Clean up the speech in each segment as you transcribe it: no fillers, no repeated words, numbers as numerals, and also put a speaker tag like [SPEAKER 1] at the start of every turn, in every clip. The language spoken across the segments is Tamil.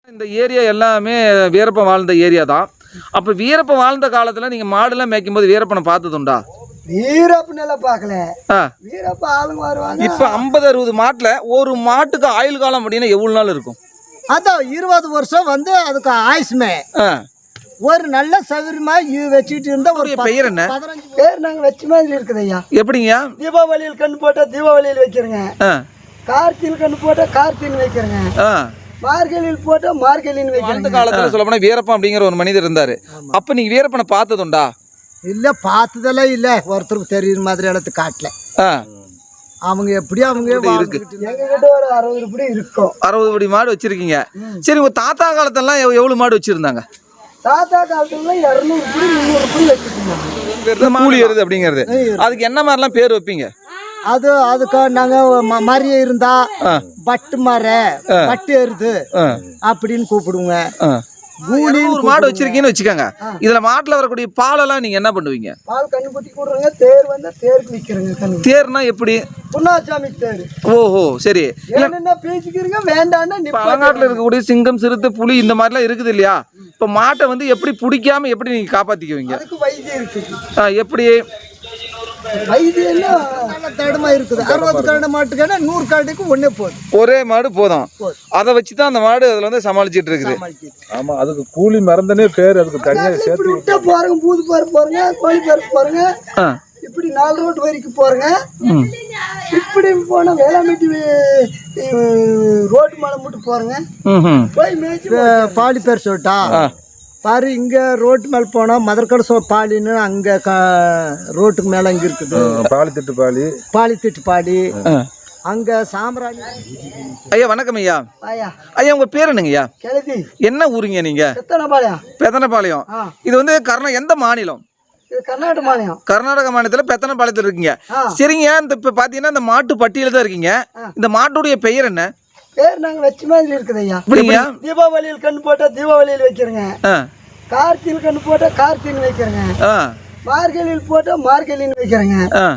[SPEAKER 1] இந்த ஏரியா எல்லாமே வீரப்பன் வாழ்ந்த ஏரியா தான். அப்போ வீரப்பன் வாழ்ந்த காலத்தில் நீங்கள் மாடுலாம் மேய்க்கும் போது வீரப்பனை பார்த்ததுண்டா?
[SPEAKER 2] வீரப்பனெல்லாம் பார்க்கல. வீரப்ப ஆளுங்க வருவாங்க.
[SPEAKER 1] இப்போ 50-60 மாட்டில் ஒரு மாட்டுக்கு ஆயுள் காலம் அப்படின்னா எவ்வளோ நாள் இருக்கும்?
[SPEAKER 2] அதான் 20 வருஷம் வந்து அதுக்கு ஆயுஷ்மே. ஒரு நல்ல சௌகரியமா வச்சுக்கிட்டு இருந்தா ஒரு
[SPEAKER 1] பெயர் என்ன?
[SPEAKER 2] 15 பேர் நாங்கள் வச்ச மாதிரி இருக்குது ஐயா.
[SPEAKER 1] எப்படிங்க?
[SPEAKER 2] தீபாவளியில் கண்ணு போட்டா தீபாவளியில் வைக்கிறேங்க, கார்த்தியில் கண்ணு போட்டா கார்த்தின்னு வைக்கிறேங்க, மார்கழியில் போட்டா மார்கழின்னு வைக்கிறேன்.
[SPEAKER 1] அந்த காலத்துல சொல்ல போனா வீரப்பன் அப்படிங்கிற ஒரு மனிதர் இருந்தாரு. அப்ப நீங்க வீரப்பனை பார்த்ததுண்டா?
[SPEAKER 2] இல்ல, பார்த்ததெல்லாம் இல்ல. ஒருத்தருக்கு தெரியுற மாதிரி இடத்து காட்டல. அவங்க எப்படி அவங்க இருக்கு. எங்ககிட்ட ஒரு 60 படி இருக்கும்.
[SPEAKER 1] 60 படி மாடு வச்சிருக்கீங்க. சரி, உங்க தாத்தா காலத்தெல்லாம் எவ்வளவு மாடு வச்சிருந்தாங்க?
[SPEAKER 2] தாத்தா காலத்துல 200 படி 300 படி வச்சிருந்தாங்க.
[SPEAKER 1] கூலி எருது அப்படிங்கிறது. அதுக்கு என்ன மாதிரிலாம் பேர் வைப்பீங்க?
[SPEAKER 2] அதுக்கு நாங்க மரிய இருந்தா பட்டு மர பட்டு எருது அப்படின்னு கூப்பிடுவோங்க.
[SPEAKER 1] ஒரு மாடு வச்சிருக்கீங்கன்னு வச்சுக்கோங்க. இதுல மாட்டுல வரக்கூடிய பாலெல்லாம் நீங்க என்ன பண்ணுவீங்க?
[SPEAKER 2] பால் கண்ணு குட்டி கூடுறங்க. தேர் வந்து தேருக்கு விக்கிறங்க.
[SPEAKER 1] தேர்னா எப்படி?
[SPEAKER 2] புண்ணாச்சாமி தேர்.
[SPEAKER 1] ஓஹோ, சரி.
[SPEAKER 2] என்ன பேசிக்கிறீங்க வேண்டான்னா
[SPEAKER 1] பழங்காட்டுல இருக்கக்கூடிய சிங்கம், சிறுத்தை, புலி இந்த மாதிரிலாம் இருக்குது இல்லையா? இப்ப மாட்டை வந்து எப்படி பிடிக்காம எப்படி நீங்க காப்பாத்திக்குவீங்க?
[SPEAKER 2] அதுக்கு வைத்தியம் இருக்கு.
[SPEAKER 1] எப்படி
[SPEAKER 2] தடமா இருக்குது? 60 கரடு மாட்டுக்கு 100 கரடுக்கு ஒன்னே போதும்.
[SPEAKER 1] ஒரே மாடு போதும். அதை வச்சுதான் அந்த மாடு அதுல வந்து சமாளிச்சிட்டு இருக்குது.
[SPEAKER 3] ஆமா, அதுக்கு கூலி மறந்தனே பேர். அதுக்கு தனியா சேர்த்து
[SPEAKER 2] விட்டா போறங்க. பூது பேர் போறங்க, கோழி பேர் போறங்க, இப்படி 4 ரோட் வரைக்கும் போறங்க. இப்படி போனா வேளாண்மைக்கு ரோட்டு மேல மட்டும் போறங்க. போய் மேய்ச்சி பாலி பேர் சொல்லிட்டா பாரு. இங்க ரோட்டு மேல போனா மதர்கடை பாலின்னு அங்க ரோட்டுக்கு மேல அங்க இருக்குது.
[SPEAKER 3] பாலித்திட்டு பாலி,
[SPEAKER 2] பாலித்திட்டு பாலி. அங்க சாம்ராணி.
[SPEAKER 1] ஐயா வணக்கம் ஐயா. ஐயா உங்க பேர் என்னங்க ஐயா?
[SPEAKER 2] கெழுதி.
[SPEAKER 1] என்ன ஊருங்க நீங்க?
[SPEAKER 2] பெத்தனபாளையம்.
[SPEAKER 1] பெத்தனபாளையம். இது வந்து எந்த மாநிலம்?
[SPEAKER 2] கர்நாடக மாநிலம்.
[SPEAKER 1] கர்நாடக மாநிலத்துல பெத்தனபாளையத்துல இருக்கீங்க. சரிங்க. இந்த இப்ப பாத்தீங்கன்னா இந்த மாட்டு பட்டியல தான் இருக்கீங்க. இந்த மாட்டுடைய பெயர் என்ன?
[SPEAKER 2] பேர் நாங்க வச்ச மாதிரி இருக்குது ஐயா. தீபாவளியில் கண்ணு போட்டா தீபாவளியில் வைக்கிறேங்க, கார்த்தியில் கண்ணு போட்டா கார்த்தின்னு வைக்கிறேங்க, மார்கழியில் போட்டா மார்கழின்னு வைக்கிறேங்க,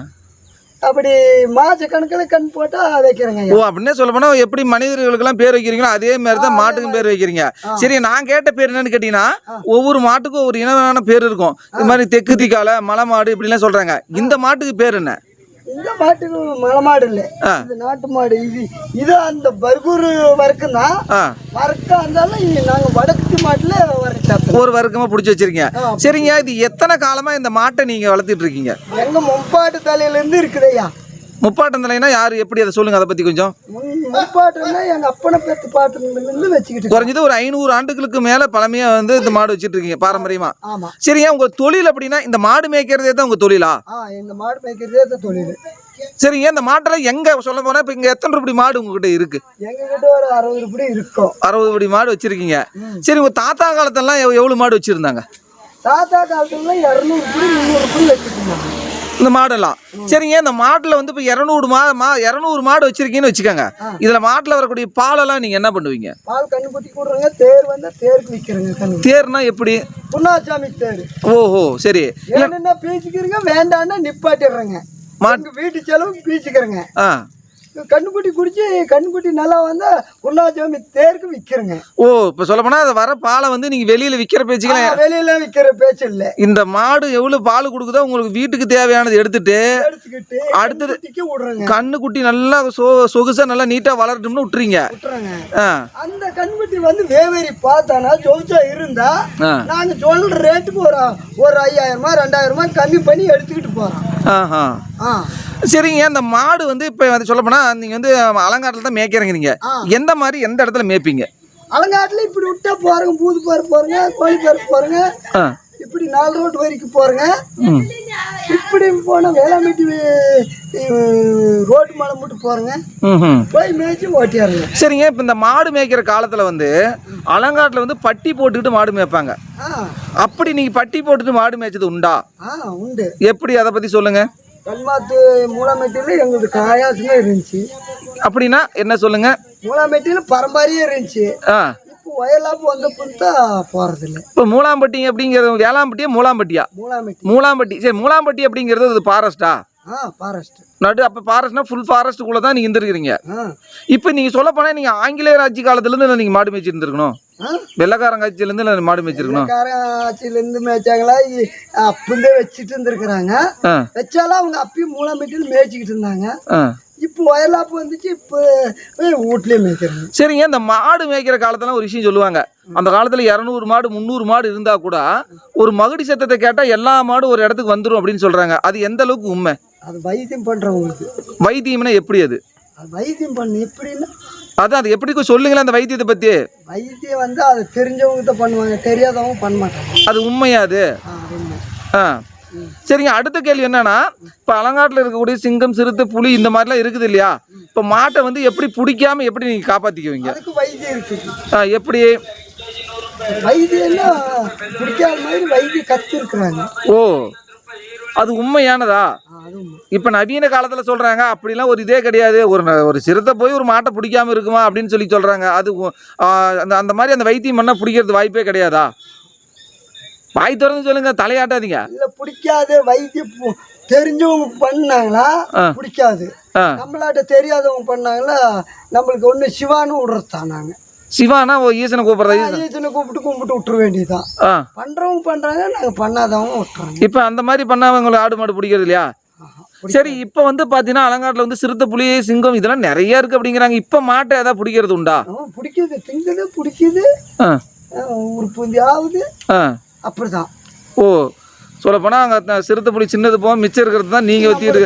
[SPEAKER 2] அப்படி மாச கணக்கில் கண் போட்டா வைக்கிறேங்க.
[SPEAKER 1] ஓ, அப்படின்னே சொல்ல போனா எப்படி மனிதர்களுக்கு எல்லாம் பேர் வைக்கிறீங்களோ அதே மாதிரி தான் மாட்டுக்கும் பேர் வைக்கிறீங்க. சரி, நான் கேட்ட பேர் என்னன்னு கேட்டீங்கன்னா ஒவ்வொரு மாட்டுக்கும் ஒரு இனமான பேர் இருக்கும். இது மாதிரி தெற்கு திக்கால மலை மாடு இப்படி எல்லாம் சொல்றாங்க. இந்த மாட்டுக்கு பேர் என்ன?
[SPEAKER 2] இந்த மாட்டுக்கு மலை மாடு இல்ல, இது நாட்டு மாடு. இது அந்த பர்கூர் வர்க்கம் தான். வர்க்கம் இருந்தாலும் நாங்க வடக்கு மாட்டுல
[SPEAKER 1] ஒரு வர்க்கமா புடிச்சு வச்சிருக்கீங்க. சரிங்க, இது எத்தனை காலமா இந்த மாட்டை நீங்க வளர்த்துட்டு இருக்கீங்க?
[SPEAKER 2] எங்க முப்பாட்டு தலையில இருந்து இருக்குதையா.
[SPEAKER 1] முப்பாட்டம் தலைனா யாரு, எப்படி அதை சொல்லுங்க. அதை பத்தி கொஞ்சம்.
[SPEAKER 2] முப்பாட்டுன்னா எங்க அப்பனை பேத்து பாட்டுல வச்சுக்கிட்டு
[SPEAKER 1] குறைஞ்சது ஒரு 500 ஆண்டுகளுக்கு மேல பழமையா வந்து இந்த மாடு வச்சிட்டு இருக்கீங்க பாரம்பரியமா. சரிங்க, உங்க தொழில் அப்படின்னா இந்த மாடு மேய்க்கிறதே தான் உங்க தொழிலா?
[SPEAKER 2] இந்த மாடு மேய்க்கிறதே தான் தொழில்.
[SPEAKER 1] சரிங்க, இந்த மாட்டெல்லாம் எங்க சொல்ல போனா இப்ப இங்க எத்தனை ரூபாய் மாடு உங்ககிட்ட இருக்கு?
[SPEAKER 2] எங்க கிட்ட ஒரு 60 படி இருக்கும்.
[SPEAKER 1] 60 படி மாடு வச்சிருக்கீங்க. சரி, உங்க தாத்தா காலத்தெல்லாம் எவ்வளவு மாடு வச்சிருந்தாங்க?
[SPEAKER 2] தாத்தா காலத்துல 200 படி 300 படி வச்சிருந்தாங்க
[SPEAKER 1] இந்த மாடெல்லாம். சரிங்க, இந்த மாட்டுல வந்து இப்ப 200 மாடு வச்சிருக்கீங்கன்னு வச்சுக்கோங்க. இதுல மாட்டுல வரக்கூடிய பாலெல்லாம் நீங்க என்ன பண்ணுவீங்க?
[SPEAKER 2] பால் கண்ணு குட்டி கூடுறங்க. தேர் வந்து தேருக்கு விக்கிறங்க.
[SPEAKER 1] தேர்னா எப்படி?
[SPEAKER 2] புண்ணாச்சாமி தேர்.
[SPEAKER 1] ஓஹோ, சரி.
[SPEAKER 2] என்ன பீச்சிக்கிறீங்க வேண்டான்னா நிப்பாட்டிடுறேங்க. வீட்டு செலவு பீச்சிக்கிறேங்க. கண்ணுக்குட்டி குடிச்சு கண்ணுக்குட்டி நல்லா வந்து உண்ணாச்சாமி தேருக்கு விக்கிறங்க.
[SPEAKER 1] ஓ, இப்ப சொல்ல போனா அது வர பாலை வந்து நீங்க வெளியில விக்கிற பேச்சுக்கல,
[SPEAKER 2] வெளியில விக்கிற பேச்சு இல்ல.
[SPEAKER 1] இந்த மாடு எவ்வளவு பால் கொடுக்குதோ உங்களுக்கு வீட்டுக்கு தேவையானது எடுத்துட்டு அடுத்து கண்ணுக்குட்டி நல்லா சொகுசா நல்லா நீட்டா வளரட்டும்னு விட்டுறீங்க.
[SPEAKER 2] அந்த கண்ணுக்குட்டி வந்து வேவேரி பார்த்தானா ஜொலிச்சா இருந்தா நாங்க சொல்ற ரேட்டுக்கு ஒரு 5000 2000 கம்மி பண்ணி எடுத்துக்கிட்டு போறோம்.
[SPEAKER 1] சரிங்க, அந்த மாடு வந்து இப்ப வந்து சொல்ல போனா நீங்க வந்து அலங்காட்டுல தான் மேய்க்கிறீங்க. நீங்க எந்த மாதிரி எந்த இடத்துல மேய்ப்பீங்க?
[SPEAKER 2] அலங்காட்டுல இப்படி விட்டா போறங்க. பூது பேர் போறங்க, கோழி பேர் போறங்க, இப்படி 4 ரோட் வரைக்கும் போறங்க. இப்படி போனா வேளாண்மைக்கு ரோட்டு மேல மட்டும் போறங்க. போய் மேய்ச்சி ஓட்டியாருங்க.
[SPEAKER 1] சரிங்க, இப்ப இந்த மாடு மேய்க்கிற காலத்துல வந்து அலங்காட்டுல வந்து பட்டி போட்டுக்கிட்டு மாடு மேய்ப்பாங்க. அப்படி நீங்க பட்டி போட்டுட்டு மாடு மேய்ச்சது உண்டா?
[SPEAKER 2] உண்டு.
[SPEAKER 1] எப்படி, அதை பத்தி சொல்லுங்க.
[SPEAKER 2] கல்மாத்து மூலாமெட்டியில எங்களுக்கு காயாசமே இருந்துச்சு.
[SPEAKER 1] அப்படின்னா என்ன சொல்லுங்க?
[SPEAKER 2] மூலாமெட்டியில பரம்பரையே இருந்துச்சு. இப்போ வயலாப்பு வந்த புத்தா போறது இல்லை.
[SPEAKER 1] இப்போ மூலாம்பட்டி அப்படிங்கிறது வேளாம்பட்டியா மூலாம்பட்டியா? மூலாம்பட்டி. சரி, மூலாம்பட்டி அப்படிங்கிறது அது ஃபாரஸ்டா?
[SPEAKER 2] ஃபாரஸ்ட்
[SPEAKER 1] நடு. அப்போ ஃபாரஸ்ட்னா ஃபுல் ஃபாரஸ்ட்டுக்குள்ள தான் நீங்க இருந்திருக்கிறீங்க. இப்போ நீங்க சொல்ல போனா நீங்க ஆங்கிலேயர் ஆட்சி காலத்துல இருந்து நீங்க மாடு மேய்ச்சி இருந்திருக்கணும். வெள்ளக்காரங்காட்சியிலேருந்து மாடு மேய்ச்சிருக்கணும்.
[SPEAKER 2] ஆட்சியிலேருந்து மேய்ச்சாங்களா அப்பந்தே வச்சுட்டு இருந்திருக்கிறாங்க. வச்சாலும் அவங்க அப்பயும் மூலம் மீட்டில் மேய்ச்சிக்கிட்டு இருந்தாங்க. இப்போ வயலாப்பு வந்துச்சு, இப்போ வீட்லயே மேய்க்கிறாங்க.
[SPEAKER 1] சரிங்க, இந்த மாடு மேய்க்கிற காலத்துல ஒரு விஷயம் சொல்லுவாங்க. அந்த காலத்துல 200 மாடு 300 மாடு இருந்தா கூட ஒரு மகுடி சத்தத்தை கேட்டா எல்லா மாடும் ஒரு இடத்துக்கு வந்துடும் அப்படின்னு சொல்றாங்க. அது எந்த அளவுக்கு உண்மை?
[SPEAKER 2] அது வைத்தியம் பண்றவங்களுக்கு.
[SPEAKER 1] வைத்தியம்னா எப்படி? அது
[SPEAKER 2] வைத்தியம் பண்ணு எப்படின்னா
[SPEAKER 1] அதான் அது எப்படி சொல்லுங்களேன் அந்த வைத்தியத்தை பத்தி.
[SPEAKER 2] வைத்தியம் வந்து அது தெரிஞ்சவங்க தான் பண்ணுவாங்க, தெரியாதவங்க பண்ண மாட்டாங்க.
[SPEAKER 1] அது உண்மையா? அது சரிங்க. அடுத்த கேள்வி என்னன்னா, இப்போ அலங்காட்டில் இருக்கக்கூடிய சிங்கம், சிறுத்தை, புலி இந்த மாதிரிலாம் இருக்குது இல்லையா? இப்போ மாட்டை வந்து எப்படி பிடிக்காம எப்படி நீங்க காப்பாத்திக்குவீங்க?
[SPEAKER 2] அதுக்கு வைத்தியம் இருக்குது.
[SPEAKER 1] எப்படி
[SPEAKER 2] வைத்தியம்னா பிடிக்காத மாதிரி வைத்தியம் கத்து இருக்கிறாங்க.
[SPEAKER 1] ஓ, அது உண்மையானதா? இப்ப நவீன காலத்துல சொல்றாங்க அப்படிலாம் ஒரு இதே கிடையாது, ஒரு சிறுத்தை போய் ஒரு மாட்டை பிடிக்காம இருக்குமா அப்படின்னு சொல்லி சொல்றாங்க. அது அந்த மாதிரி அந்த வைத்தியம் பண்ணா பிடிக்கிறது வாய்ப்பே கிடையாதா? வாய் திறந்து சொல்லுங்க, தலையாட்டாதீங்க.
[SPEAKER 2] இல்ல பிடிக்காது. வைத்தியம் தெரிஞ்சவங்க பண்ணாங்களா பிடிக்காது, நம்மளாட்ட தெரியாதவங்க பண்ணாங்களா நம்மளுக்கு ஒண்ணு சிவான்னு விடுறதுதான். நாங்க
[SPEAKER 1] சிவானா ஈசனை கூப்பிடுறது,
[SPEAKER 2] ஈசனை கும்பிட்டு விட்டுற வேண்டியதுதான். பண்றவங்க பண்றாங்க, நாங்க பண்ணாதவங்க விட்டுறாங்க.
[SPEAKER 1] இப்ப அந்த மாதிரி பண்ணாம ஆடு மாடு பிடிக்கிறது இல்லையா? சரி, இப்ப வந்து பாத்தீங்கன்னா அலங்காட்டுல வந்து சிறுத்தை, புலி, சிங்கம் இதெல்லாம் நிறைய இருக்கு அப்படிங்கிறாங்க. இப்ப மாட்டை ஏதாவது பிடிக்கிறது உண்டா?
[SPEAKER 2] பிடிக்குது, திங்குது, பிடிக்குது, உறுப்புந்தாவது அப்படிதான்.
[SPEAKER 1] ஓ, சொல்ல போனா அங்க சிறுத்தை, புலி சின்னது போக மிச்சம் இருக்கிறது தான் நீங்க வத்திட்டு.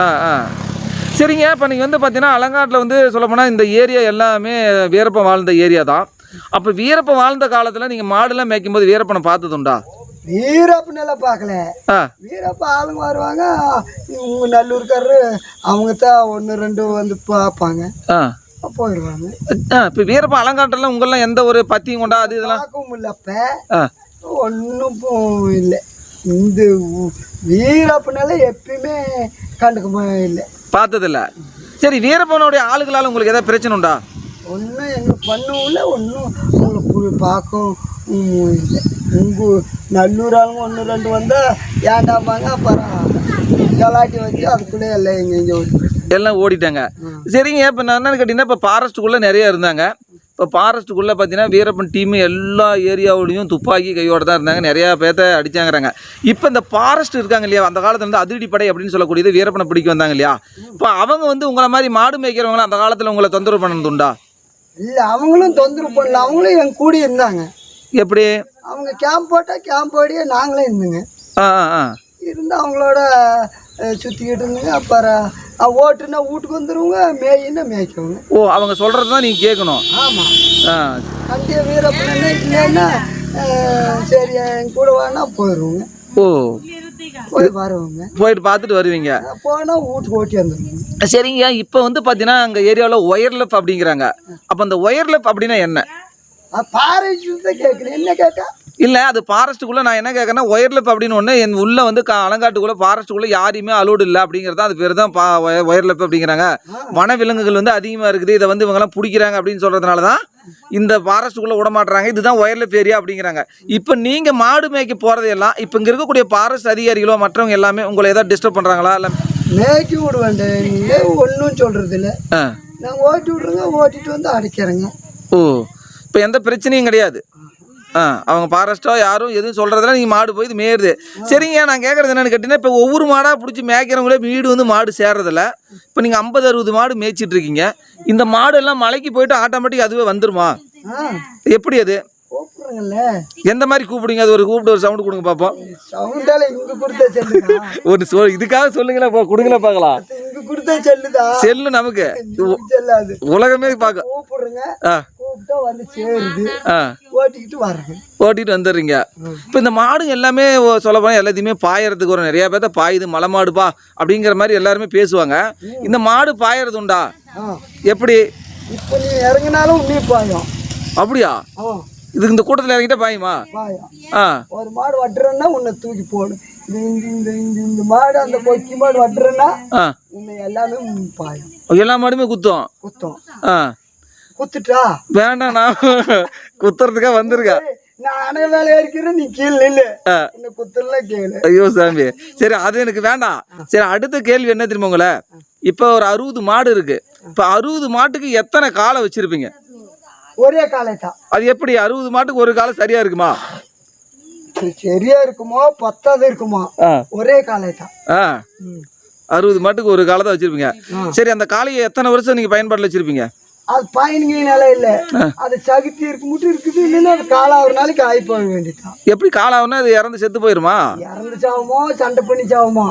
[SPEAKER 1] சரிங்க, இப்போ நீங்கள் வந்து பார்த்தீங்கன்னா அலங்காட்டில் வந்து சொல்லப்போனால் இந்த ஏரியா எல்லாமே வீரப்பன் வாழ்ந்த ஏரியா தான். அப்போ வீரப்பன் வாழ்ந்த காலத்தில் நீங்கள் மாடுலாம் மேய்க்கும் போது வீரப்பனை பார்த்ததுண்டா?
[SPEAKER 2] வீரப்பனெல்லாம் பார்க்கல. வீரப்ப ஆளுங்க வருவாங்க, இவங்க நல்லூர்காரரு அவங்க தான் 1 2 வந்து பார்ப்பாங்க, போயிடுவாங்க.
[SPEAKER 1] இப்போ வீரப்பன் அலங்காட்டெல்லாம் உங்களெலாம் எந்த ஒரு பத்தியும் கொண்டா அது இதெல்லாம்
[SPEAKER 2] பார்க்கவும் இல்லை. அப்போ ஒன்றும் இல்லை. இந்த வீரப்பனால எப்பயுமே கண்டுக்க இல்லை, பார்த்ததில்ல.
[SPEAKER 1] சரி, வீரப்பனுடைய ஆளுகளால் உங்களுக்கு ஏதாவது பிரச்சனை உண்டா?
[SPEAKER 2] ஒன்றும் எங்களுக்கு பண்ணவும் இல்லை, ஒன்றும் உங்களுக்கு பார்க்கவும் இல்லை. உங்கள் நல்லூர் ஆளுங்க 1 2 வந்தால் ஏண்டாப்பாங்க, அப்புறம் கலாட்டி வச்சு அதுக்குள்ளே எல்லாம் எல்லாம்
[SPEAKER 1] ஓடிட்டாங்க. சரிங்க, இப்போ நான் என்னன்னு கேட்டிங்கன்னா, இப்போ ஃபாரஸ்ட்டுக்குள்ளே நிறைய இருந்தாங்க. இப்போ ஃபாரஸ்ட்டுக்குள்ளே பார்த்தீங்கன்னா வீரப்பன் டீமு எல்லா ஏரியாவிலையும் துப்பாக்கி கையோடு தான் இருந்தாங்க, நிறையா பேர்த்த அடித்தாங்கிறாங்க. இப்போ இந்த ஃபாரஸ்ட் இருக்காங்க இல்லையா, அந்த காலத்தில் வந்து அதிரடிப்படை அப்படின்னு சொல்லக்கூடியது வீரப்பனை பிடிக்க வந்தாங்க இல்லையா? இப்போ அவங்க வந்து உங்களை மாதிரி மாடு மேய்க்கிறவங்களாம் அந்த காலத்தில் உங்களை தொந்தரவு பண்ணது உண்டா?
[SPEAKER 2] இல்லை, அவங்களும் தொந்தரவு பண்ணல, அவங்களும் என் கூட இருந்தாங்க.
[SPEAKER 1] எப்படி?
[SPEAKER 2] அவங்க கேம்ப் போட்டால் கேம்ப் ஓடியே நாங்களே இருந்துங்க. இருந்து அவங்களோட சுற்றிக்கிட்டு இருந்துங்க. அப்புறம் ஓட்டுனா வீட்டுக்கு வந்துடுவோங்க, மேயின்னா மேய்க்கவங்க.
[SPEAKER 1] ஓ, அவங்க சொல்கிறது தான் நீங்கள் கேட்கணும்.
[SPEAKER 2] ஆமாம். கண்டிய வீரப்பனா இல்லைன்னா சரி என் கூட வேணா போயிடுவோங்க.
[SPEAKER 1] ஓ,
[SPEAKER 2] போய் வருவோங்க,
[SPEAKER 1] போயிட்டு பார்த்துட்டு வருவீங்க.
[SPEAKER 2] போனால் வீட்டுக்கு ஓட்டி வந்துடுவோங்க.
[SPEAKER 1] சரிங்க, இப்போ வந்து பார்த்தீங்கன்னா அங்கே ஏரியாவில் ஒயர்லெஃப் அப்படிங்கிறாங்க. அப்போ அந்த ஒயர்லெஃப் அப்படின்னா என்ன?
[SPEAKER 2] ஃபாரஸ்ட் தான் கேட்கணும். என்ன கேட்டா
[SPEAKER 1] இல்லை, அது ஃபாரஸ்ட்டுக்குள்ளே நான் என்ன கேட்குறேன்னா ஒயர்லெஃப் அப்படின்னு ஒன்று என் உள்ளே வந்து அலங்காட்டுக்குள்ளே ஃபாரஸ்ட்டுக்குள்ளே யாரையுமே அலோடு இல்லை அப்படிங்கிறது அது பேர் தான் ஒயர்லெஃப் அப்படிங்கிறாங்க. வனவிலங்குகள் வந்து அதிகமாக இருக்குது, இதை வந்து இவங்கெல்லாம் பிடிக்கிறாங்க அப்படின்னு சொல்கிறதுனால தான் இந்த ஃபாரஸ்ட்டுக்குள்ளே விட மாட்டுறாங்க. இதுதான் ஒயர்லெஃப் ஏரியா அப்படிங்கிறாங்க. இப்போ நீங்கள் மாடு மேய்க்க போகிறதையெல்லாம் இப்போ இங்கே இருக்கக்கூடிய ஃபாரஸ்ட் அதிகாரிகளோ மற்றவங்க எல்லாமே உங்களை ஏதாவது டிஸ்டர்ப் பண்ணுறாங்களா? இல்லை
[SPEAKER 2] மேய்க்கி விட வேண்டாம், ஒன்றும் சொல்கிறது இல்லை. நாங்கள் ஓட்டி விட்றோங்க, ஓட்டிட்டு வந்து அடைக்கிறேங்க.
[SPEAKER 1] ஓ, இப்போ எந்த பிரச்சனையும் கிடையாது. அவங்க ஃபாரஸ்ட்டோ யாரும் எதுவும் சொல்கிறதில்ல, நீங்கள் மாடு போய் இது மேயுது. சரிங்க, நான் கேட்குறது என்னென்னு கேட்டிங்கன்னா, இப்போ ஒவ்வொரு மாடாக பிடிச்சி மேய்க்கிறவங்களே வீடு வந்து மாடு சேர்றதில்ல. இப்போ நீங்கள் 50 60 மாடு மேய்ச்சிட்டு இருக்கீங்க. இந்த மாடு எல்லாம் மலைக்கு போயிட்டு ஆட்டோமேட்டிக் அதுவே வந்துருமா? எப்படி அது? எந்த மாதிரி கூப்பிடுங்க? அது கூப்பிட்டு ஒரு சவுண்ட் கொடுங்க பார்ப்போம். ஒரு இதுக்காக சொல்லுங்களேன், கொடுங்களா பார்க்கலாம். செல்லு நமக்கு உலகமே பார்க்க ஓட்டிட்டு வந்துடுறீங்க. இப்போ இந்த மாடுங்க எல்லாமே சொல்ல போனால் எல்லாத்தையுமே பாயறதுக்கு ஒரு நிறைய பேர்த்த பாயுது, மலை மாடுப்பா அப்படிங்கிற மாதிரி எல்லாருமே பேசுவாங்க. இந்த மாடு பாயறது உண்டா? எப்படி?
[SPEAKER 2] இப்போ நீ இறங்கினாலும் நீ பாயும்.
[SPEAKER 1] அப்படியா? இதுக்கு இந்த கூட்டத்தில் இறங்கிட்டா பாயுமா?
[SPEAKER 2] ஒரு மாடு வட்டுறேன்னா உன்னை தூக்கி போடும். இந்த மாடு அந்த கொக்கி மாடு வட்டுறேன்னா உன்னை எல்லாமே பாயும்.
[SPEAKER 1] எல்லா மாடுமே குத்தும்.
[SPEAKER 2] குத்துட்டா
[SPEAKER 1] வேண்டாம், நான் குத்துறதுக்காக வந்திருக்க.
[SPEAKER 2] நானே வேலை இருக்கிறேன், நீ கீழே நில்லு, குத்துல கேளு.
[SPEAKER 1] ஐயோ சாமி, சரி அது எனக்கு வேண்டாம். சரி, அடுத்த கேள்வி என்ன தெரியுமா உங்களை? இப்போ ஒரு 60 மாடு இருக்கு. இப்போ 60 மாட்டுக்கு எத்தனை காலை வச்சிருப்பீங்க?
[SPEAKER 2] ஒரே காலை தான்.
[SPEAKER 1] அது எப்படி 60 மாட்டுக்கு ஒரு காலை சரியா இருக்குமா?
[SPEAKER 2] சரியா இருக்குமோ பத்தாவது இருக்குமோ, ஒரே காலை தான்.
[SPEAKER 1] 60 மாட்டுக்கு ஒரு காலை தான் வச்சிருப்பீங்க. சரி, அந்த காளையை எத்தனை வருஷம் நீங்க பயன்பாட்டில் வச்சிருப்பீங்க?
[SPEAKER 2] அது பயணிங்கனால இல்ல, அது சகுத்தி இருக்கு மட்டும் இருக்குது. இல்லைன்னா அது காலாவது நாளைக்கு ஆகி போக வேண்டியதுதான்.
[SPEAKER 1] எப்படி காலாவுன்னா அது இறந்து செத்து போயிருமா?
[SPEAKER 2] இறந்து சாவுமோ சண்டை பண்ணி சாவுமோ,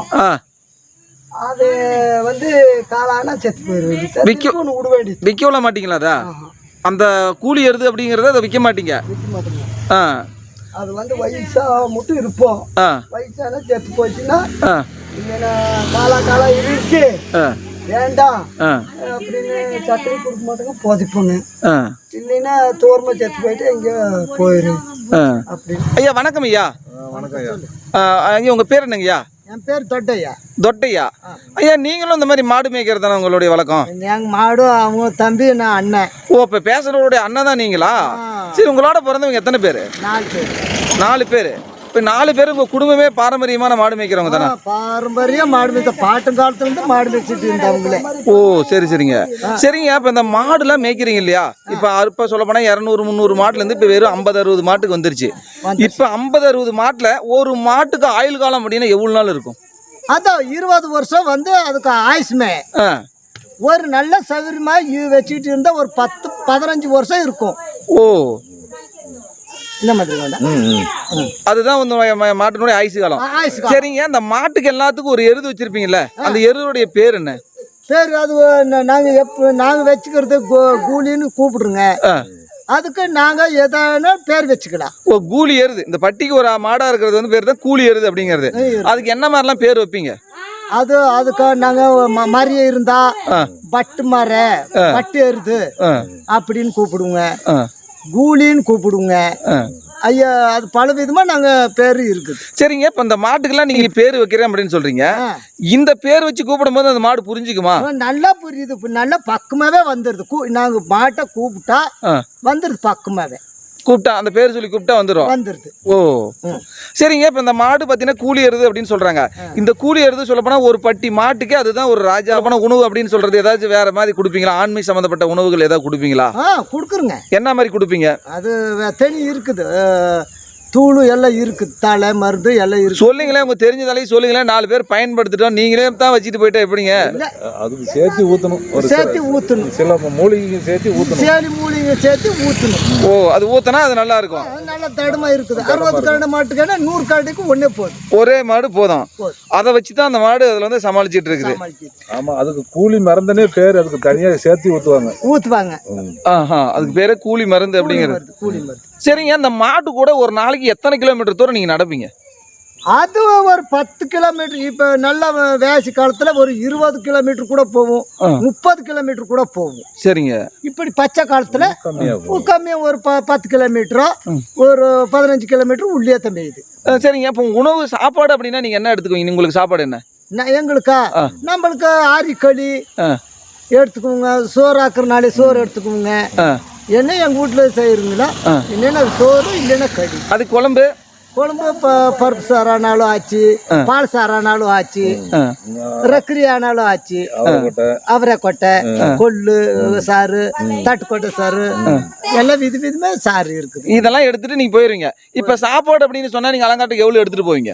[SPEAKER 2] அது வந்து காலானா செத்து போயிட வேண்டியது. விட வேண்டியது.
[SPEAKER 1] விற்க மாட்டீங்களா? அதா அந்த கூலி எருது அப்படிங்கறத அதை விற்க மாட்டீங்க?
[SPEAKER 2] விற்க மாட்டீங்க. அது வந்து வயசா மட்டும் இருப்போம். வயசானா செத்து போச்சுன்னா இல்லைன்னா காலா இருக்கு வேண்டாம் அப்படின்னு சக்கரை கொடுக்க மாட்டோங்க, போதிப்போங்க. இல்லைன்னா தோர்மா செத்து போயிட்டு எங்க போயிரு அப்படின்னு.
[SPEAKER 1] ஐயா வணக்கம் ஐயா.
[SPEAKER 3] வணக்கம் ஐயா.
[SPEAKER 1] ஐயா உங்க பேர் என்னங்கய்யா?
[SPEAKER 2] என் பேர் தொட்டையா.
[SPEAKER 1] தொட்டையா. ஐயா நீங்களும் இந்த மாதிரி மாடு மேய்க்கிறது தானே உங்களுடைய வழக்கம்?
[SPEAKER 2] எங்க மாடு அவங்க தம்பி, நான் அண்ணன்.
[SPEAKER 1] ஓ, இப்ப பேசுறவருடைய அண்ணன் தான் நீங்களா? சரி, உங்களோட பிறந்தவங்க எத்தனை பேரு?
[SPEAKER 2] 4 பேர்.
[SPEAKER 1] 4 பேரு. இப்போ 4 பேர் உங்க குடும்பமே பாரம்பரியமான மாடு மேய்க்கிறவங்க தானே?
[SPEAKER 2] பாரம்பரியம் மாடு மேய்க்க, பாட்டும் காலத்துல இருந்து மாடு மேய்ச்சிட்டு இருந்தவங்களே.
[SPEAKER 1] ஓ சரி சரிங்க. சரிங்க, இப்போ இந்த மாடுலாம் மேய்க்கிறீங்க இல்லையா? இப்போ சொல்ல போனா 200 300 மாட்டுல இருந்து இப்போ வெறும் 50 60 மாட்டுக்கு வந்துருச்சு. இப்போ 50 60 மாட்டுல ஒரு மாட்டுக்கு ஆயுள் காலம் அப்படின்னா எவ்வளவு நாள் இருக்கும்?
[SPEAKER 2] அதான் 20 வருஷம் வந்து அதுக்கு ஆயுஷ்மே. ஒரு நல்ல சௌகரியமா வச்சுக்கிட்டு இருந்தா ஒரு 10 15 வருஷம் இருக்கும்.
[SPEAKER 1] ஓ,
[SPEAKER 2] இந்த மாதிரி
[SPEAKER 1] அதுதான் மாட்டினுடைய ஆயுசு காலம். சரிங்க, அந்த மாட்டுக்கு எல்லாத்துக்கும் ஒரு எருது வச்சிருப்பீங்கல்ல, அந்த எருதுடைய பேர் என்ன?
[SPEAKER 2] பேர் அது நாங்க வச்சுக்கிறது கூலின்னு கூப்பிடுங்க. அதுக்கு நாங்க எதான பேர் வச்சுக்கலாம்.
[SPEAKER 1] ஓ, கூலி எருது. இந்த பட்டிக்கு ஒரு மாடா இருக்கிறது வந்து பேர் தான் கூலி எருது அப்படிங்கிறது. அதுக்கு என்ன மாதிரிலாம் பேர் வைப்பீங்க?
[SPEAKER 2] அதுக்கு நாங்க மரிய இருந்தா பட்டு மர பட்டு எருது அப்படின்னு கூப்பிடுவோங்க, கூலின்னு கூப்பிடுங்க. ஐயா அது பல விதமா நாங்க பேரு இருக்குது.
[SPEAKER 1] சரிங்க, இப்ப இந்த மாட்டுக்கெல்லாம் நீங்க பேரு வைக்கிறேன் அப்படின்னு சொல்றீங்க. இந்த பேர் வச்சு கூப்பிடும் போது அந்த மாடு புரிஞ்சுக்குமா?
[SPEAKER 2] நல்லா புரியுது, நல்லா பக்கமாவே வந்துருது. நாங்க மாட்டை கூப்பிட்டா வந்துருது, பக்கமாவே
[SPEAKER 1] கூப்பிட்டா அந்த பேர் சொல்லி கூப்பிட்டா வந்துருது. ஓ சரிங்க, இப்ப இந்த மாடு பாத்தீங்கன்னா கூலி எருது அப்படின்னு சொல்றாங்க. இந்த கூலி எருது சொல்ல போனா ஒரு பட்டி மாட்டுக்கு அதுதான் ஒரு ராஜாவான உணவு அப்படின்னு சொல்றது. ஏதாச்சும் வேற மாதிரி கொடுப்பீங்களா? ஆண்மை சம்பந்தப்பட்ட உணவுகள் ஏதாவது கொடுப்பீங்களா?
[SPEAKER 2] கொடுக்குறங்க.
[SPEAKER 1] என்ன மாதிரி கொடுப்பீங்க?
[SPEAKER 2] அது தனி இருக்குது, தூளு எல்லாம் இருக்குது, தலை மருந்து எல்லாம் இருக்கு.
[SPEAKER 1] சொல்லுங்களேன், உங்க தெரிஞ்சதாலையும் சொல்லுங்களேன். 4 பேர் பயன்படுத்திட்டோம், நீங்களே தான் வச்சுட்டு போயிட்டா எப்படிங்க?
[SPEAKER 3] அதுக்கு சேர்த்து ஊற்றணும்,
[SPEAKER 2] சேர்த்து ஊற்றணும்,
[SPEAKER 3] சில மூலிகைங்க சேர்த்து ஊற்றணும்,
[SPEAKER 2] சேலி மூலிகை சேர்த்து ஊற்றணும்.
[SPEAKER 1] ஓ, அது ஊற்றினா அது நல்லா இருக்கும்.
[SPEAKER 2] நல்லா தடுமா இருக்குது. 60 கரடு மாட்டுக்கான 100 கரடுக்கு ஒன்னே போதும்,
[SPEAKER 1] ஒரே மாடு போதும். அதை வச்சு தான் அந்த மாடு அதுல வந்து சமாளிச்சுட்டு இருக்குது.
[SPEAKER 3] ஆமா, அதுக்கு கூலி மருந்துனே பேர், அதுக்கு தனியாக சேர்த்து ஊற்றுவாங்க.
[SPEAKER 1] அதுக்கு பேரே கூலி மருந்து அப்படிங்கிறது.
[SPEAKER 2] கூலி மருந்து.
[SPEAKER 1] சரிங்க, அந்த மாட்டு கூட ஒரு நாளைக்கு எத்தனை கிலோமீட்டர் தூரம் நீங்க நடப்பீங்க?
[SPEAKER 2] அது ஒரு 10 கிலோமீட்டர். இப்ப நல்ல வேசி காலத்துல ஒரு 20 கிலோமீட்டர் கூட போகும், 30 கிலோமீட்டர் கூட போகும்.
[SPEAKER 1] சரிங்க.
[SPEAKER 2] இப்படி பச்சை காலத்துல கம்மியா ஒரு 10 கிலோமீட்டரோ ஒரு 15 கிலோமீட்டர் உள்ளே தம்பியுது.
[SPEAKER 1] சரிங்க, இப்போ உணவு சாப்பாடு அப்படின்னா நீங்க என்ன எடுத்துக்குவீங்க? உங்களுக்கு சாப்பாடு என்ன?
[SPEAKER 2] எங்களுக்கா நம்மளுக்கு ஆரிக்களி எடுத்துக்குவோங்க, சோறு ஆக்குறனாலே சோறு எடுத்துக்குவோங்க. என்ன எங்க வீட்டுல செய்யறீங்களா, இல்லைன்னா சோறு இல்லைன்னா களி.
[SPEAKER 1] அது குழம்பு
[SPEAKER 2] பருப்பு சாரானாலும் ஆச்சு, பால் சாரானாலும் ஆச்சு, ரக்கரி ஆனாலும் ஆச்சு, அவரைக்கொட்டை, கொள்ளு சாறு, தட்டுக்கொட்டை சாறு, எல்லாம் விதமா சாறு இருக்குது.
[SPEAKER 1] இதெல்லாம் எடுத்துட்டு நீங்க போயிருவீங்க. இப்ப சாப்பாடு அப்படின்னு சொன்னா நீங்க அலங்காட்டுக்கு எவ்வளவு எடுத்துட்டு போவீங்க?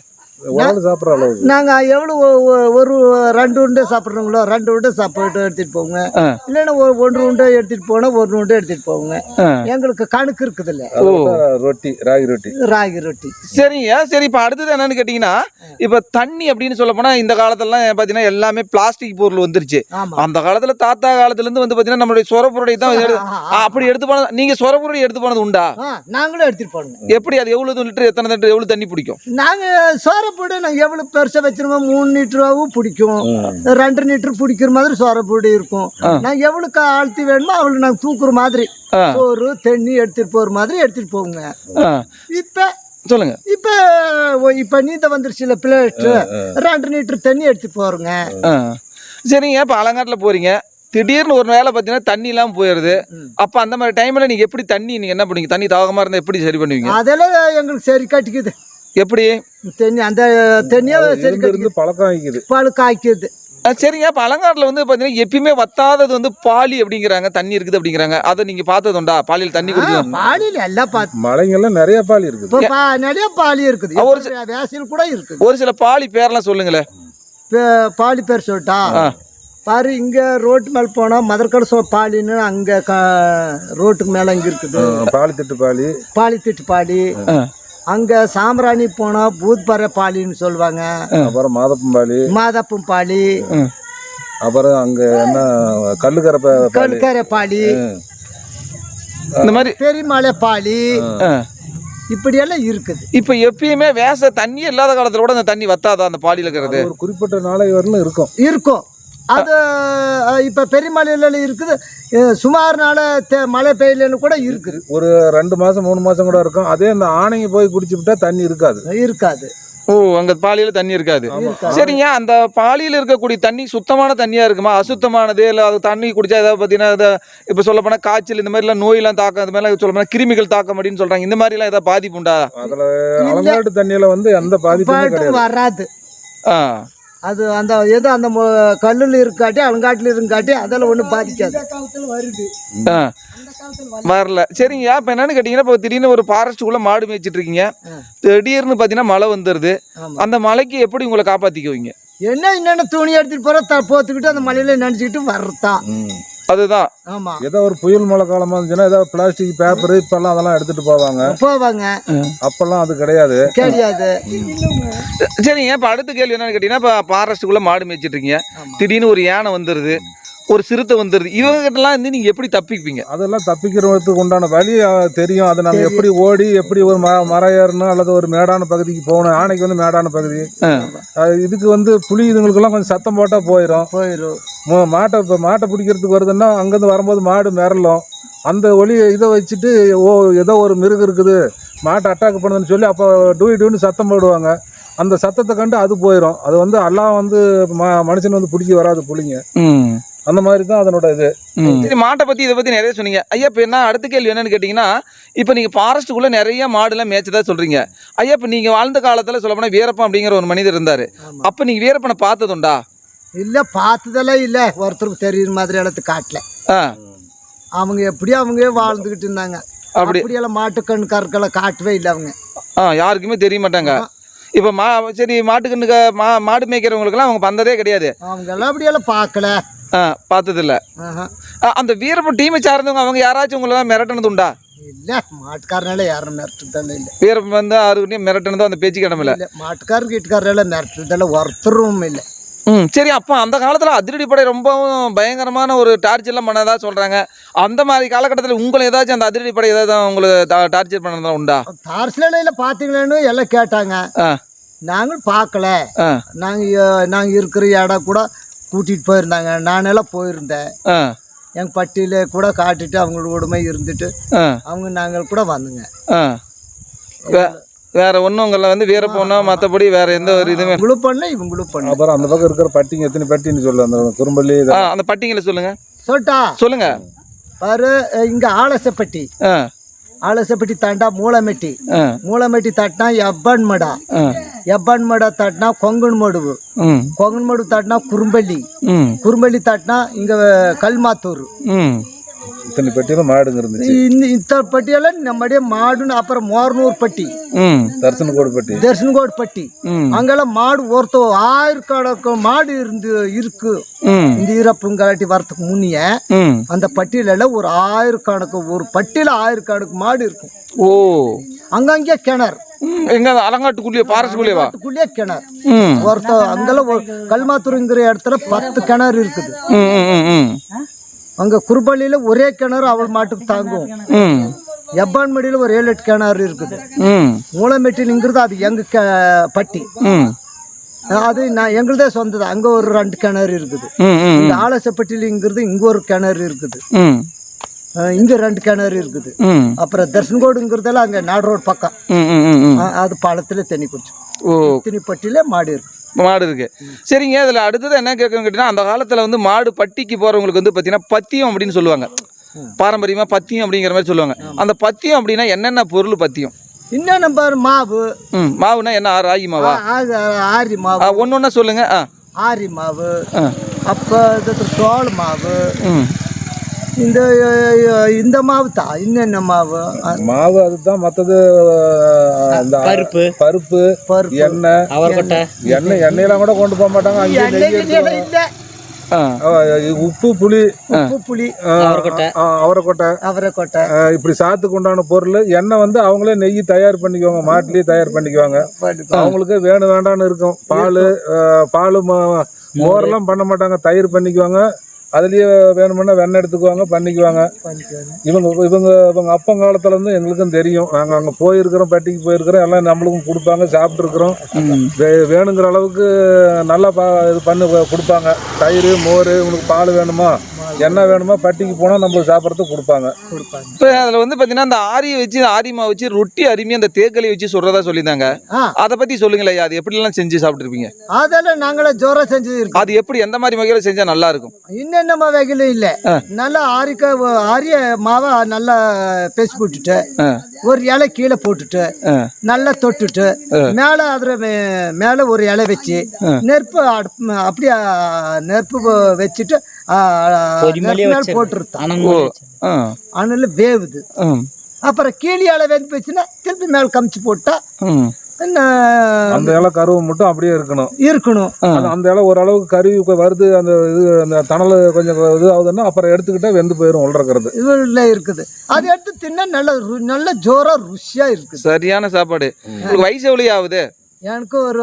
[SPEAKER 2] நாங்க எவ்வளவு ஒரு 2 உண்டை சாப்பிட்றோங்களோ 2 உண்டை சாப்பாடு எடுத்துட்டு போவோங்க. இல்லைன்னா 1 உண்டை எடுத்துட்டு போனா 1 உண்டை எடுத்துட்டு போவோங்க. எங்களுக்கு கணக்கு இருக்குது இல்ல.
[SPEAKER 3] ரொட்டி, ராகி ரொட்டி.
[SPEAKER 1] சரிங்க. சரி, இப்ப அடுத்தது என்னன்னு கேட்டீங்கன்னா, இப்ப தண்ணி அப்படின்னு சொல்ல போனா இந்த காலத்துல பாத்தீங்கன்னா எல்லாமே பிளாஸ்டிக் பொருள் வந்துருச்சு. அந்த காலத்துல தாத்தா காலத்துல இருந்து வந்து பாத்தீங்கன்னா நம்மளுடைய சொரப்புரடை தான் அப்படி எடுத்து போனது. நீங்க சொரப்புரடை எடுத்து போனது உண்டா?
[SPEAKER 2] நாங்களும் எடுத்துட்டு போனோம்.
[SPEAKER 1] எப்படி அது எவ்வளவு லிட்டர், எத்தனை லிட்டர், எவ்வளவு தண்ணி பிடிக்கும்?
[SPEAKER 2] நாங்க சோரப்பொடி நாங்கள் எவ்வளோ பெருசாக வச்சிருக்கோம், 3 லிட்டராவும் பிடிக்கும், 2 லிட்டர் பிடிக்கிற மாதிரி சோரப்பொடி இருக்கும். நாங்கள் எவ்வளோக்கு ஆழ்த்தி வேணுமோ அவ்வளோ நாங்கள் தூக்குற மாதிரி சோறு தண்ணி எடுத்துட்டு போகிற மாதிரி எடுத்துட்டு போவோங்க. இப்போ
[SPEAKER 1] சொல்லுங்க,
[SPEAKER 2] இப்போ நீந்த வந்துருச்சுல பிளேட்டு, 2 லிட்டர் தண்ணி எடுத்துட்டு போறோங்க.
[SPEAKER 1] சரிங்க, இப்போ அலங்காட்டில் போறீங்க, திடீர்னு ஒரு வேலை பார்த்தீங்கன்னா தண்ணி இல்லாமல் போயிடுது. அப்போ அந்த மாதிரி டைமில் நீங்கள் எப்படி தண்ணி நீங்கள் என்ன பண்ணுவீங்க? தண்ணி தாகமாக இருந்தால் எப்படி சரி பண்ணுவீங்க?
[SPEAKER 2] அதெல்லாம் எங்களுக்கு சரி கட்டிக்குது.
[SPEAKER 1] எப்படி
[SPEAKER 2] தண்ணி அந்த தண்ணியை சரி
[SPEAKER 3] பழக்கம் ஆக்கிது.
[SPEAKER 2] பழுக்க ஆக்கிடுது.
[SPEAKER 1] சரிங்க. இப்போ அலங்காட்டில் வந்து பார்த்தீங்கன்னா எப்பயுமே வத்தாதது வந்து பாலி அப்படிங்கிறாங்க, தண்ணி இருக்குது அப்படிங்கிறாங்க. அதை நீங்கள் பார்த்ததுண்டா? பாலியில் தண்ணி குடிச்சு
[SPEAKER 2] பாலியில் எல்லாம் பார்த்து
[SPEAKER 3] மலைங்கெல்லாம் நிறைய பாலி இருக்குது.
[SPEAKER 2] இப்போ நிறைய பாலி இருக்குது.
[SPEAKER 1] ஒரு
[SPEAKER 2] வேசியில் கூட இருக்குது.
[SPEAKER 1] ஒரு சில பாலி பேர்லாம் சொல்லுங்களேன்.
[SPEAKER 2] பாலி பேர் சொல்லிட்டா பாரு, இங்கே ரோட்டு மேலே போனால் மதர்கடை பாலின்னு அங்கே ரோட்டுக்கு மேலே இங்கே இருக்குது. பாலித்திட்டு பாலி. அங்கே சாம்பிராணி போனால் பூத்பறை பாலின்னு சொல்லுவாங்க.
[SPEAKER 3] அப்புறம்
[SPEAKER 2] மாதப்பம் பாலி.
[SPEAKER 3] அப்புறம் அங்கே என்ன
[SPEAKER 2] கல்லுக்கரை பாலி,
[SPEAKER 1] இந்த மாதிரி
[SPEAKER 2] பெரியமலை பாலி, இப்படியெல்லாம் இருக்குது.
[SPEAKER 1] இப்போ எப்பயுமே தண்ணி இல்லாத காலத்தில் கூட அந்த தண்ணி வத்தாதா அந்த பாலியில் இருக்கிறது?
[SPEAKER 3] ஒரு குறிப்பிட்ட நாளை வரலும் இருக்கும்.
[SPEAKER 2] அது இப்போ பெரியமலையில இருக்குது. சுமார் நாள் மழை பெய்யலன்னு கூட இருக்குது.
[SPEAKER 3] ஒரு 2 மாதம் 3 மாதம் கூட இருக்கும். அதே இந்த ஆணைங்க போய் குடிச்சு விட்டா தண்ணி இருக்காது.
[SPEAKER 1] ஓ, அங்கே பாலியில் தண்ணி இருக்காது. சரிங்க. அந்த பாலியில் இருக்கக்கூடிய தண்ணி சுத்தமான தண்ணியாக இருக்குமா, அசுத்தமானது? இல்லை அது தண்ணி குடிச்சா ஏதாவது பார்த்தீங்கன்னா இப்போ சொல்ல போனால் காய்ச்சல் இந்த மாதிரிலாம் நோயெல்லாம் தாக்கம், அது மாதிரிலாம் சொல்ல போனால் கிருமிகள் தாக்கம் அப்படின்னு சொல்கிறாங்க. இந்த மாதிரிலாம் ஏதாவது பாதிப்பு உண்டா?
[SPEAKER 3] அதில் அலங்காட்டு தண்ணியில் வந்து எந்த பாதிப்பும்
[SPEAKER 2] வராது. அது அந்த ஏதோ அந்த கல்லில் இருக்காட்டி அலங்காட்டில் இருக்காட்டி அதெல்லாம் ஒன்றும் பாதிக்காது.
[SPEAKER 1] வரல. சரிங்க. இப்போ என்னன்னு கேட்டிங்கன்னா, இப்போ திடீர்னு ஒரு ஃபாரஸ்ட்டுக்குள்ளே மாடு மேய்ச்சிட்டு இருக்கீங்க, திடீர்னு பார்த்தீங்கன்னா மழை வந்துடுது. அந்த மழைக்கு எப்படி உங்களை காப்பாற்றிக்குவீங்க?
[SPEAKER 2] என்னென்ன துணி எடுத்துகிட்டு போகிற போத்துக்கிட்டு அந்த மழையில நினச்சிக்கிட்டு வர்றதான்.
[SPEAKER 1] அதுதான்.
[SPEAKER 2] ஆமா.
[SPEAKER 3] ஏதோ ஒரு புயல் மழை காலமா இருந்துச்சுன்னா ஏதோ பிளாஸ்டிக் பேப்பர் இப்பெல்லாம் அதெல்லாம் எடுத்துட்டு போவாங்க. அப்பெல்லாம் அது கிடையாது.
[SPEAKER 1] சரிங்க. இப்போ அடுத்த கேள்வி என்னன்னு கேட்டீங்கன்னா, இப்போ ஃபாரஸ்ட்டுக்குள்ள மாடு மேய்ச்சிட்டு இருக்கீங்க, திடீர்னு ஒரு யானை வந்துடுது, ஒரு சிறுத்தை வந்துடுது, இவங்ககிட்டலாம் வந்து நீங்கள் எப்படி தப்பிப்பீங்க?
[SPEAKER 3] அதெல்லாம் தப்பிக்கிறதுக்கு உண்டான வழி தெரியும். அதை நம்ம எப்படி ஓடி எப்படி ஒரு மரம் ஏறணும் அல்லது ஒரு மேடான பகுதிக்கு போகணும். யானைக்கு வந்து மேடான பகுதி. இதுக்கு வந்து புலி இதுங்களுக்கெல்லாம் கொஞ்சம் சத்தம் போட்டால் போயிடும். மாட்டை பிடிக்கிறதுக்கு வருதுன்னா அங்கேருந்து வரும்போது மாடு மிரளும். அந்த இதை வச்சுட்டு ஏதோ ஒரு மிருகம் இருக்குது மாட்டை அட்டாக் பண்ணுதுன்னு சொல்லி அப்போ டூன்னு சத்தம் போடுவாங்க. அந்த சத்தத்தை கண்டு அது போயிடும். அது வந்து எல்லாம் வந்து மனுஷன் வந்து பிடிச்சி வராது புலிங்க. அந்த மாதிரி தான் அதனோட இது.
[SPEAKER 1] சரி, மாட்டை பற்றி இதை பற்றி நிறைய சொன்னீங்க ஐயா. இப்போ என்ன அடுத்த கேள்வி என்னன்னு கேட்டிங்கன்னா, இப்போ நீங்கள் ஃபாரஸ்ட்டுக்குள்ளே நிறைய மாடுலாம் மேய்ச்சதா சொல்கிறீங்க ஐயா. இப்போ நீங்கள் வாழ்ந்த காலத்தில் சொல்ல போனால் வீரப்பன் அப்படிங்கிற ஒரு மனிதர் இருந்தார். அப்போ நீங்கள் வீரப்பனை பார்த்ததுண்டா?
[SPEAKER 2] இல்லை, பார்த்ததெல்லாம் இல்லை. ஒருத்தருக்கு தெரியுற மாதிரி இடத்துக்கு காட்டல. அவங்க எப்படியோ அவங்க வாழ்ந்துக்கிட்டு இருந்தாங்க. அப்படியெல்லாம் மாட்டுக்கண்ணு கற்களை காட்டவே இல்லை அவங்க.
[SPEAKER 1] யாருக்குமே தெரிய மாட்டாங்க. இப்போ சரி, மாட்டுக்கண்ணுக்கு மாடு மேய்க்கிறவங்களுக்குலாம் அவங்க வந்ததே கிடையாது.
[SPEAKER 2] அவங்க எல்லாம் அப்படியெல்லாம் பார்க்கல,
[SPEAKER 1] பார்த்ததில்ல. அந்த வீரப்பன் டீமை சார்ந்தவங்க அவங்க யாராச்சும் உங்களை மிரட்டினது உண்டா?
[SPEAKER 2] இல்லை, மாட்டுக்காரனால யாரும் மிரட்டுறதெல்லாம் இல்லை.
[SPEAKER 1] வீரப்பன் வந்து யாருக்கிட்டையும் மிரட்டினதோ அந்த பேச்சு கிடமில்ல.
[SPEAKER 2] மாட்டுக்காரர் வீட்டுக்காரெல்லாம் மிரட்டுறதெல்லாம் ஒருத்தரும் இல்லை.
[SPEAKER 1] சரி. அப்போ அந்த காலத்தில் அதிரடிப்படை ரொம்பவும் பயங்கரமான ஒரு டார்ச்சர்லாம் பண்ணதா சொல்கிறாங்க. அந்த மாதிரி காலகட்டத்தில் உங்களை ஏதாச்சும் அந்த அதிரடிப்படை ஏதாவது உங்களுக்கு டார்ச்சர் பண்ணதான் உண்டா?
[SPEAKER 2] டார்ச்சரில் பார்த்தீங்களான்னு எல்லாம் கேட்டாங்க. நாங்கள் பார்க்கல. நாங்கள் இருக்கிற இடம் கூட கூட்டிகிட்டு போயிருந்தாங்க. நானெல்லாம் போயிருந்தேன். எங்கள் பட்டியில கூட காட்டிட்டு அவங்களோட இருந்துட்டு நாங்கள் கூட வந்துங்க.
[SPEAKER 1] வேற ஒன்றும் உங்களை வந்து வீரப்போனா மற்றபடி வேற எந்த ஒரு இதுவுமே
[SPEAKER 2] இவங்களும் பண்ணல, இவங்களும் பண்ணல.
[SPEAKER 3] அப்புறம் அந்த பக்கம் இருக்கிற பட்டிங்க எத்தனை பட்டின்னு சொல்லு. அந்த குறும்பள்ளி
[SPEAKER 1] அந்த பட்டிங்களை சொல்லுங்க.
[SPEAKER 2] சொல்லுங்க பாரு. இங்க ஆலசப்பட்டி, ஆலசப்பட்டி தாண்டா மூலமெட்டி, மூலமெட்டி தாட்டினா எப்பன்மடா, எப்பன்மடா தாட்டினா கொங்கன்மடுவு, கொங்கன்மடு தாட்டினா குறும்பள்ளி, குறும்பள்ளி தாட்டினா இங்க கல்மாத்தூர்.
[SPEAKER 3] இத்தனை பட்டியெல்லாம் மாடுங்க இருந்துச்சு.
[SPEAKER 2] இத்தனை பட்டியெல்லாம் நம்மடைய மாடுன்னு. அப்புறம் மோர்னூர் பட்டி, தர்சன்கோடு பட்டி, அங்கெல்லாம் மாடு ஒருத்த 1000 மாடு இருக்கு. இந்த ஈரப்புங்காட்டி வரத்துக்கு முன்னிய அந்த பட்டியல ஒரு 1000 ஒரு பட்டியல 1000 மாடு இருக்கும்.
[SPEAKER 1] ஓ,
[SPEAKER 2] அங்கங்கே கிணறு.
[SPEAKER 1] எங்க அலங்காட்டுக்குள்ளேயே ஃபாரஸ்ட்குள்ளேயே
[SPEAKER 2] கிணறு ஒருத்த. அங்கெல்லாம் கல்மாத்தூருங்கிற இடத்துல 10 கிணறு இருக்குது. அங்க குறுபள்ளியில ஒரே கிணறு அவள் மாட்டுக்கு தாங்கும். எப்பான்மடியில ஒரு 7-8 கிணறு இருக்குது. மூலமெட்டிங்கிறது அது எங்க பட்டி. அது நான் எங்களுதே சொந்தது. அங்க ஒரு 2 கிணறு இருக்குது. இந்த ஆலசப்பட்டியிலங்கிறது இங்க ஒரு கிணறு இருக்குது. இங்க 2 கிணறு இருக்குது. அப்புறம் தர்சன்கோடுங்கிறதெல்லாம் அங்க நாடு ரோடு பக்கம். அது பாலத்துல தண்ணி குடிச்சு. பட்டியில மாடு இருக்கு.
[SPEAKER 1] மாடு இருக்கு. சரிங்க. அதில் அடுத்தது என்ன கேட்கணும் கேட்டீங்கன்னா, அந்த காலத்தில் வந்து மாடு பட்டிக்கு போகிறவங்களுக்கு வந்து பார்த்தீங்கன்னா பத்தியம் அப்படின்னு சொல்லுவாங்க. பாரம்பரியமாக பத்தியம் அப்படிங்கிற மாதிரி சொல்லுவாங்க. அந்த பத்தியம் அப்படின்னா என்னென்ன பொருள் பத்தியம்?
[SPEAKER 2] இன்னும் நம்பர் மாவு.
[SPEAKER 1] மாவுனா என்ன? ராகி மாவா?
[SPEAKER 2] ஆரி மாவு.
[SPEAKER 1] ஒன்று ஒன்றா சொல்லுங்க.
[SPEAKER 2] ஆரி மாவு அப்போ தோல் மாவு இந்த மாவு தான் இன்னென்ன மாவு
[SPEAKER 3] மாவு அதுதான் மற்றது பருப்பு எண்ணெய் எண்ணெயெல்லாம் கூட கொண்டு போக மாட்டாங்க அங்கே உப்பு புளி அவரைக்கொட்டை இப்படி சாத்துக்கு உண்டான பொருள் எண்ணெய் வந்து அவங்களே நெய் தயார் பண்ணிக்குவாங்க மாட்டிலேயே தயார் பண்ணிக்குவாங்க அவங்களுக்கு வேணும் வேண்டாம்னு இருக்கும் பால் மோரெல்லாம் பண்ண மாட்டாங்க தயிர் பண்ணிக்குவாங்க அதுலயே வேணும்னா வெண்ணெய் எடுத்துக்குவாங்க பண்ணிக்குவாங்க இவங்க அப்பங்காலத்துல இருந்து எங்களுக்கும் தெரியும் நாங்க அங்க போயிருக்கிறோம் பட்டிக்கு போயிருக்கிறோம் எல்லாம் நம்மளுக்கும் கொடுப்பாங்க சாப்பிட்டுருக்குறோம் வேணுங்கிற அளவுக்கு நல்லா இது பண்ணி கொடுப்பாங்க தயிர் மோர் உங்களுக்கு பால் வேணுமா என்ன வேணுமோ பட்டிக்கு போனால் நம்மளுக்கு சாப்பிட்றதுக்கு கொடுப்பாங்க.
[SPEAKER 1] இப்போ அதில் வந்து பார்த்தீங்கன்னா அந்த ஆரியை வச்சு ஆரிமா வச்சு ரொட்டி அருமையாக அந்த தேக்களி வச்சு சொல்கிறதா சொல்லியிருந்தாங்க. அதை பற்றி சொல்லுங்களேன், அது எப்படிலாம் செஞ்சு சாப்பிட்ருப்பீங்க?
[SPEAKER 2] அதெல்லாம் நாங்களே ஜோராக செஞ்சு இருக்கோம்.
[SPEAKER 1] அது எப்படி எந்த மாதிரி வகையில் செஞ்சால் நல்லா இருக்கும்?
[SPEAKER 2] இன்னென்ன வகையிலும் இல்லை, நல்லா ஆரிய மாவை நல்லா பேசி போட்டுட்டு ஒரு இலை கீழே போட்டுட்டு நல்லா தொட்டுட்டு மேலே அதில் மேலே ஒரு இலை வச்சு நெருப்பு அப்படியே நெருப்பு வச்சுட்டு அனல் வேவுது. அப்புறம் கீழே இலை வெந்து போச்சுன்னா திருப்பி மேல கமிச்சு போட்டா
[SPEAKER 3] அந்த இலை கருவு மட்டும் அப்படியே இருக்கணும். அந்த இலை ஓரளவுக்கு கருவி வருது, அந்த இது அந்த தணல் கொஞ்சம் இது ஆகுதுன்னா அப்புறம் எடுத்துக்கிட்டா வெந்து போயிடும். உள்றது
[SPEAKER 2] இதுல இருக்குது, அதை எடுத்து தின்னா நல்ல ஜோரா ருசியா இருக்குது.
[SPEAKER 1] சரியான சாப்பாடு. வயசு எவ்வளவு ஆகுது?
[SPEAKER 2] எனக்கு ஒரு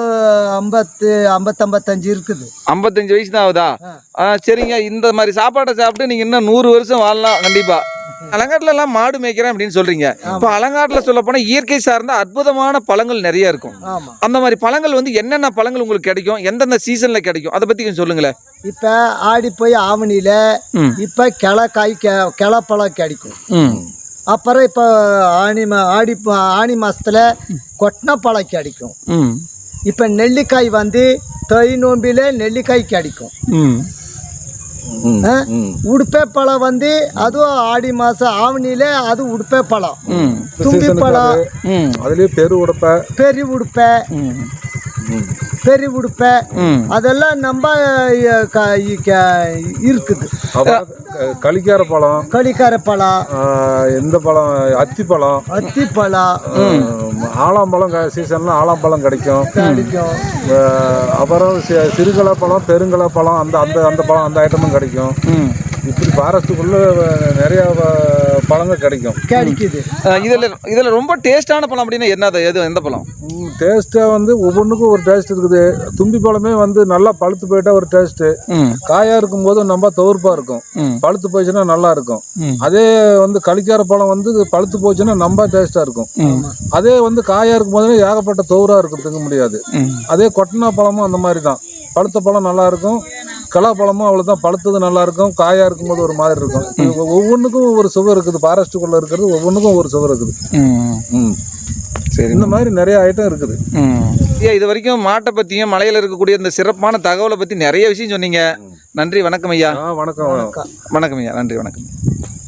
[SPEAKER 2] 55 இருக்குது.
[SPEAKER 1] 55 வயசு தான் ஆகுதா? சரிங்க. இந்த மாதிரி சாப்பாட்டை சாப்பிட்டு நீங்க இன்னும் 100 வருஷம் வாழலாம் கண்டிப்பா. அலங்காட்டுல எல்லாம் மாடு மேய்க்கிறேன் அப்படின்னு சொல்றீங்க. இப்போ அலங்காட்டுல சொல்ல போனா இயற்கை சார்ந்த அற்புதமான பழங்கள் நிறைய இருக்கும். அந்த மாதிரி பழங்கள் வந்து என்னென்ன பழங்கள் உங்களுக்கு கிடைக்கும், எந்தெந்த சீசன்ல கிடைக்கும், அதை பத்தி கொஞ்சம் சொல்லுங்களேன்.
[SPEAKER 2] இப்ப ஆடி போய் ஆவணியில இப்ப கிளப்பழம் கிடைக்கும். அப்புறம் இப்போ ஆடி மாசத்துல கொட்டின பழம் கிடைக்கும். இப்போ நெல்லிக்காய் வந்து தை நோம்பில நெல்லிக்காய் கிடைக்கும். உடுப்பே பழம் வந்து அதுவும் ஆடி மாசம் ஆவணியில அது உடுப்பே பழம். தும்பி பழம்
[SPEAKER 3] அதுலயே
[SPEAKER 2] பெரிய உடுப்பை அதெல்லாம் நம்ம இருக்குது.
[SPEAKER 3] களிக்கார பழம், எந்த பழம், அத்திப்பழம், ஆலாம்பழம் சீசன்ல ஆலாம்பழம் கிடைக்கும். அப்புறம் சிறுகலை பழம், பெருங்கலை பழம், அந்த பழம் அந்த ஐட்டமும் கிடைக்கும். இப்படி ஃபாரஸ்ட்டுக்குள்ள நிறைய பழங்கள் கிடைக்குது.
[SPEAKER 1] இதுல ரொம்ப டேஸ்டான பழம் அப்படின்னா எந்த பழம்?
[SPEAKER 3] டேஸ்டா வந்து ஒவ்வொன்றுக்கும் ஒரு டேஸ்ட் இருக்குது. தும்பி பழமே வந்து நல்லா பழுத்து போயிட்டா ஒரு டேஸ்ட், காயா இருக்கும் போது நம்ம துவர்ப்பா இருக்கும், பழுத்து போச்சுன்னா நல்லா இருக்கும். அதே வந்து களிக்கார பழம் வந்து பழுத்து போச்சுன்னா ரொம்ப டேஸ்டா இருக்கும். அதே வந்து காயா இருக்கும் போது ஏகப்பட்ட துவரா இருக்கும், திங்க முடியாது. அதே கொட்டினா பழமும் அந்த மாதிரி தான், பழுத்த பழம் நல்லா இருக்கும், பழமும் அவ்வளவுதான், பழுத்தது நல்லா இருக்கும், காயா இருக்கும்போது ஒரு மாதிரி இருக்கும். ஒவ்வொன்றுக்கும் ஒவ்வொரு சுவை இருக்குது. ஃபாரஸ்ட்டுக்குள்ள இருக்கிறது ஒவ்வொன்றுக்கும் ஒவ்வொரு சுவை இருக்குது. சரி, இந்த மாதிரி நிறைய ஐட்டம் இருக்குது.
[SPEAKER 1] இது வரைக்கும் மாட்டை பத்தியும் மலையில இருக்கக்கூடிய இந்த சிறப்பான தகவலை பத்தி நிறைய விஷயம் சொன்னீங்க. நன்றி, வணக்கம் ஐயா.
[SPEAKER 3] வணக்கம்
[SPEAKER 1] வணக்கம் ஐயா, நன்றி, வணக்கம்.